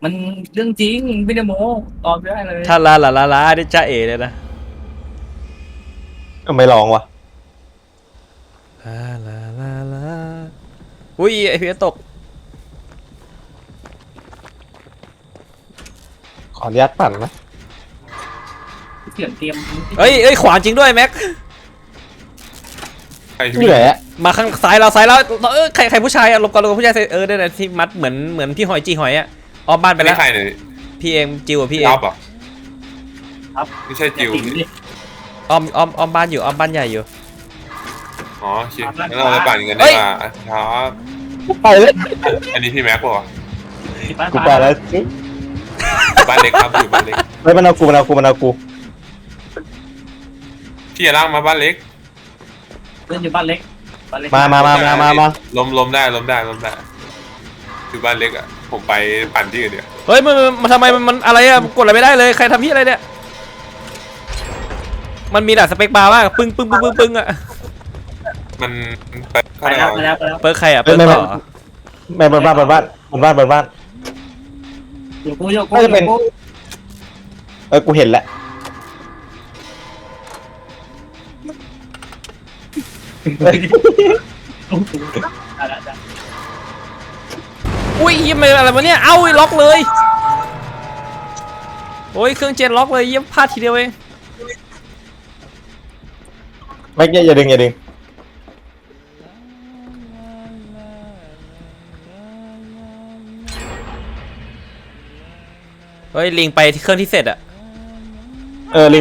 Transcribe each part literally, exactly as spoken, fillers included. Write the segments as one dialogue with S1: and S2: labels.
S1: มันเรื่องจริงไม่ได้โม้ตอบไม่ได้เลย
S2: ถ้าลาลาลาลาได้จ้าเอ๋เลยนะ
S3: ไม่ลองวะ
S2: ลาลาลาลาอุ้ยไอพีตก
S3: ขออนุญาตปั่นนะ
S1: เสียงเตรียม
S2: เอ้ยเอ้ยขวานจริงด้วยแม็ก
S3: นี่แหละ
S2: มาข้างซ้ายเราซ้ายเราเออใครใครผู้ชายอะลงก่อนลงก่อนผู้ชายเออได้แต่ที่มัดเหมือนเหมือนพี่หอยจีหอยอะออมบ้านไปแล้วพี่เองจิวพี่เอง
S4: ครับครับไม่ใช่จิว
S2: ออมออมออมบ้านอยู่ออมบ้านใหญ่อยู่
S4: อ๋อชิงั้นเราไปปั่นกันดีกว่าครับ
S3: ไปเลย
S4: อันนี้พี่แม็กป่ะ
S3: กูไปแล้ว
S4: บ้านเล็กครับอยู่บ้านเล็ก
S3: ไม่มันเอากูมันเอากูมันเอากู
S4: พี่อย่าล่างมาบ้านเล็ก
S1: เล่นอยู่บ้านเล็ก
S3: มามามามามามา
S4: ล้มล้มได้ล้มได้ล้มได้คือบ้านเล็กอ่ะผมไปปั่นที่อื่นเดียว
S2: เฮ้ยมันมันทำไมมันอะไรอะกดอะไรไม่ได้เลยใครทำพี่อะไรเนี่ยมันมีแต่สเปคบาร์มากปึ้งปึ้งปึ้งปึ้งปึ้งอะ
S4: มัน
S1: ไปแล้วไปแล้วไปแล้ว
S2: เปิร์ใครอะเปิร์ต่อ
S3: ไม่บนบ้านบนบ้านบนบ้านบนบ้าน
S1: อยู่กูอยู่กู
S3: น่าจะเป็นเออกูเห็นแล้ว
S2: อุ้ยเยี่ยมอะไรวะเนี่ยเอ้าล็อกเลยโอ้ยเครื่องเจนล็อกเลยเยี่ยมพลาดทีเดียวเอง
S3: ไม่อย่าดึงอย่าดึง
S2: เฮ้ยลิงไปที่เครื่องที่เสร็จอะ
S3: เออลิง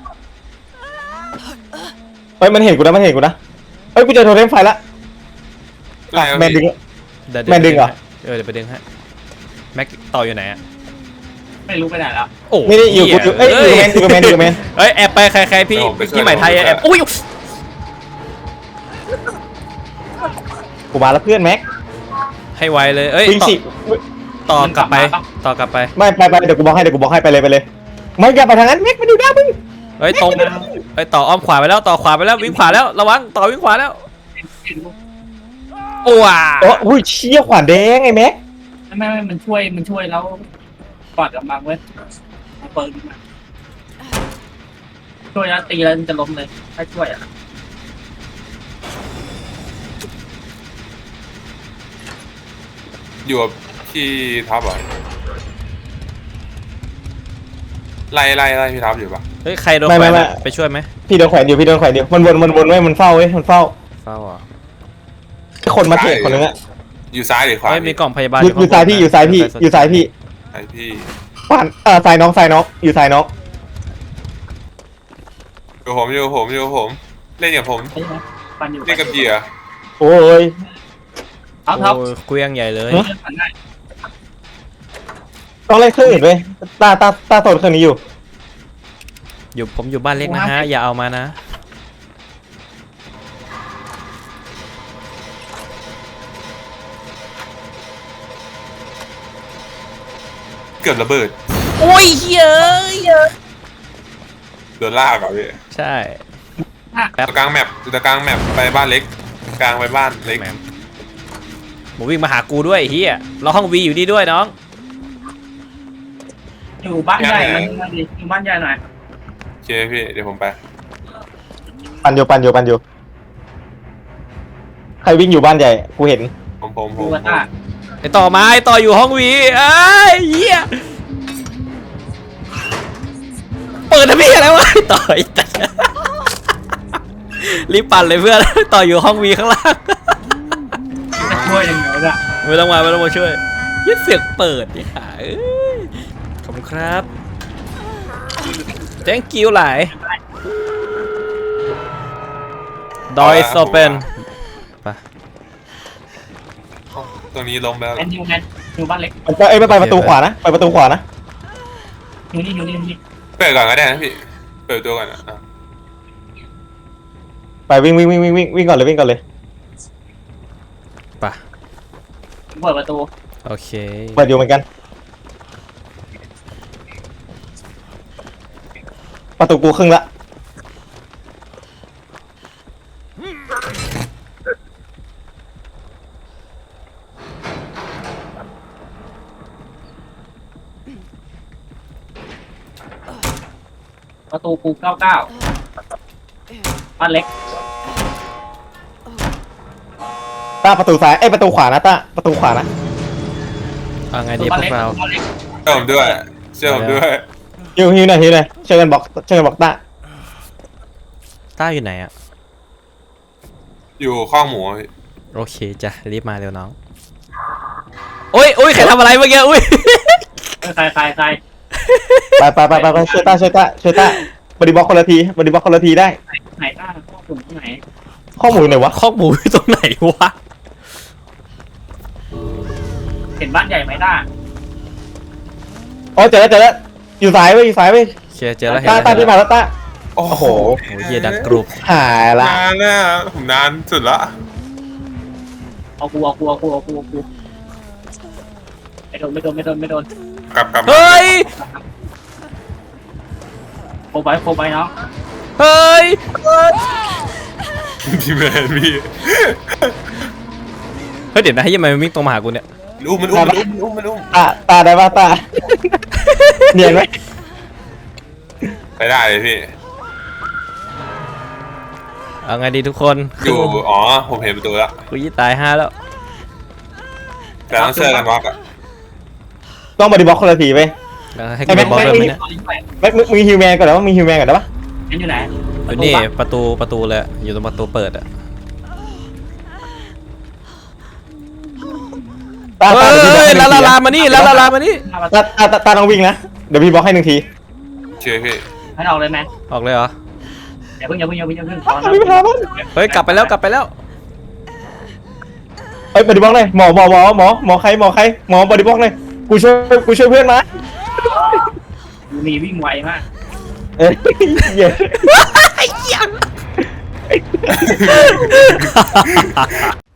S3: เฮ้ยมันเห็นกูนะมันเห็นกูนะเฮ้ยกูเจอโทรเทมไฟละแมนดึงแมนดึงเหรอ
S2: เออเดี๋ยวไปดึงให้แม็กต่ออยู่ไหนอะ
S1: ไม่รู้ไปไหนแล้ว
S2: โอ้
S3: ไม่ได้อยู่กูอยู่เอ้ยอยู่แมนอยู่แมนอยู่แมน
S2: เฮ้ยแอบไปใครใครพี่พี่ใหม่ไทยแอบอุ้ย
S3: กูมาแล้วเพื่อนแม็ก
S2: ให้ไวเลยเอ้ยต่อกลับไปต่อกลับไป
S3: ไม่ไปไปเดี๋ยวกูบอกให้เดี๋ยวกูบอกให้ไปเลยไปเลยไม่อย่าไปทางนั้นแม็กมาดูหน้ามึง
S2: เฮ้ยตรงเฮ้ยต่ออ้อมขวาไปแล้วต่อขวาไปแล้ววิ่งขวาแล้วระวังต่อวิ่งขวาแล้วโอ้ว้า
S3: โอ้ยเชี่ยขวานแดงไอ้แม็ก
S1: ไม่ไม่มันช่วยมันช่วยแล้วกอดกำลังเว้ยเปิดมาช่วยแล้วตีแล้วจะล้มเลยถ้าช่วยอ่ะ
S4: อยู่กับพี่ท็อปอ่ะไล่ไล่ไล่พี่ท็อปอยู่ปะ
S2: เฮ้ยใครโดนแขวนไปช่วยไหม
S3: พี่โดนแขวนอยู่พี่โดนแขวนอยู่มันวนมันวนไว้มันเฝ้าเว้ยมันเฝ้า
S2: เฝ้าอ่ะ
S3: คนมาเทรดคนนึงอะ
S4: อยู่ซ้ายหรือขวา
S2: มีกล่องพยาบาล
S3: อยู่ซ้ายพี่อยู่ซ้ายพี่อยู่ซ้ายพี่
S4: ไอพี่
S3: ขวานเออซ้ายน้องซ้ายน้องอยู่ซ้ายน้อง
S4: อยู่ผมอยู่ผมอยู่ผมเล่นกับผมเล่นกับเหยื่อ
S3: โอ้ย
S1: ท็อปท็อป
S2: เกวียงใหญ่เลย
S3: ต้องเล่นเครื่องอื่นเลยตาตาตาโซนเครื่องนี้อยู่
S2: อยู่ผมอยู่บ้านเล็กนะฮะอย่าเอามานะ
S4: เกือบระเบิด
S2: โอ้ยเยอะเยอะ
S4: โดนลากอ่ะพี่
S2: ใช่
S4: ตะกลางแมปตะกลางแมปไปบ้านเล็กกลางไปบ้านเล็ก
S2: หมูวิ่งมาหากูด้วยเฮียเราห้องวีอยู่ดีด้วยน้อง
S1: อยู่บ้านใหญ่มันอยู่บ้านใหญ่หน่อย
S4: โอเคพี่เดี๋ยวผมไป
S3: ปันอยู่ปันอยู่ปันอยู่ใครวิ่งอยู่บ้านใหญ่กูเห็น
S4: ผมผมผม
S2: ไอต่อมาไอต่ออยู่ห้องวีไอ้เหี้ยเปิดทำไมอะไรวะต่อรีบปั่นเลยเพื่อนต่ออยู่ห้องวีข้างล่าง
S1: ช่วยอย่างเดียวจ้ะ
S2: ไม่ต้องมาไม่ต้องมาช่วยยิ่งเสียงเปิดนี่ค่ะขอบคุณครับthank you หลายดอยโซเปนไป
S4: ตรงนี้ลงแล้ว
S1: แอนยูแมนอยู่บ้านเล็ก
S3: เอ้ยไปประตูขวานะไปประตูขวานะ
S1: อยู่นี่อยู่นี่นี่
S4: เปิดก่อนก็ได้นะพี่เปิดตัวก่อนอ่ะ
S3: ไปวิ่งวิ่งวิ่งวิ่งวิ่งวิ่งก่อนเลยวิ่งก่อนเลย
S2: ไป
S1: เปิดประตู
S2: โอเค
S3: เปิดอยู่เหมือนกันประตูกูครึ่งละ
S1: ประตูกูเก้าเก้าบ้านเล็ก
S3: ตาประตูซ้ายเอ้ยประตูขวานะตาประตูขวานะ
S2: เอาไงดีพ
S1: บ้าน
S2: ว
S1: เล็ก
S2: กเรา
S1: บ้านเล็ก
S4: เชื่อผมด้วยเชื่อผมด้วย
S3: ฮิวฮิวหน่อยฮิวหน่อยช่วยกันบอกช่วยกันบอกตา
S2: ต้าอยู่ไหนอะ
S4: อยู่ข้องหมู
S2: โอเคจ้ะรีบมาเร็วน้องโอ้ยโอ้ยใครทำอะไรเมื่อกี้อุ้ย
S1: ใครใครใคร
S3: ไปไปไปไปไปช่วยตาช่วยตาช่วยตาบริบล็อกคนละทีบริบล็อกคนละทีได้
S1: ไหนต้าข้อมูลที่ไหน
S3: ข้อมูลไหนวะ
S2: คอกหมูอยู่ตรงไหนวะ
S1: เห็นบ้านใหญ่ไหมต้า
S3: อ๋อเจอแล้วเจอแล้วอยู่ซ้ายเว้ยอยู่ซ้ายเว้ย
S2: เชียร์เจอแล้วเห็น
S3: ตา
S2: แล้ว
S3: ตา
S2: เห็
S3: ที่
S2: น
S3: มา
S2: แล้ว
S3: แล้วตา
S4: โอ้โห
S2: โอ้ยเฮียดังกรุบ
S3: หายละ
S4: นานนะผมนานสุดละ
S1: เอากูเอากูเอากูเอากูเอากูไม่โดนไม่โดนไม่โดนไม่โดน
S4: กลับกลับ
S2: เฮ้ย
S1: โคไปโคไปเนาะ
S2: เฮ้ย
S4: พี่แมนพี่
S2: เฮ้ยเดี๋ยวนะให้ยังไงมันวิ่งตรงมาหากูเนี่ย
S4: อุ้มมันอุ้มมันอุ้มมันอุ้มมันอุ้ม
S3: ตาตาได้ปะตาเนียนไหม
S4: ไปได้เลยพี่
S2: เอาไงดีทุกคน
S4: อยู่อ๋อผมเห็นประตูแล้ว
S2: กูยี่ตายห้าแล้ว
S4: แต่ต้องเชื่อกันวอกอะ
S3: ต้องบริบล็อกคนละทีเว้ย
S2: แล้วให้กูไปบอลด้วยไหมเนี่ย
S3: ไม่มึงมึงฮิวแมนก่อนแล้วว่ามึงฮิวแมนก่อนได้ปะ
S1: นั่นอยู่ไหน
S2: อยู่นี่ประตูประตูเลยอยู่ตรงประตูเปิดอะ
S3: ตา
S2: เฮ้
S3: ตาเดี๋ยวพี่บล็อก
S2: ย
S3: ให้ห
S2: ลา
S3: นึ่ง
S2: ลา
S3: ที
S2: ลามานี่ลาลาลามานี่
S3: ตาตาตาตาต้องวิ่งนะเดี๋ยวพี่บล็อกให้หนึ่งที
S4: เชื่อพี่
S1: ให้ออกเลยไหม
S2: ออกเลยเหรอ
S1: อย่าเพิ่งอย่าเพิ่งอย่าเพิ่งอย่าเพิ่ง
S3: พี่ไปหามัน
S2: เฮ้ยกลับไปแล้วกลับไปแล้ว
S3: เอ้ยบริบล็อกเลยหมอหมอหมอหมอหมอใครหมอใครหมอบริบล็อกเลยกูช่วยกูช่วยเพื่อนมา
S1: มีวิ่งไวมาก
S3: เอ้ยเหี้ย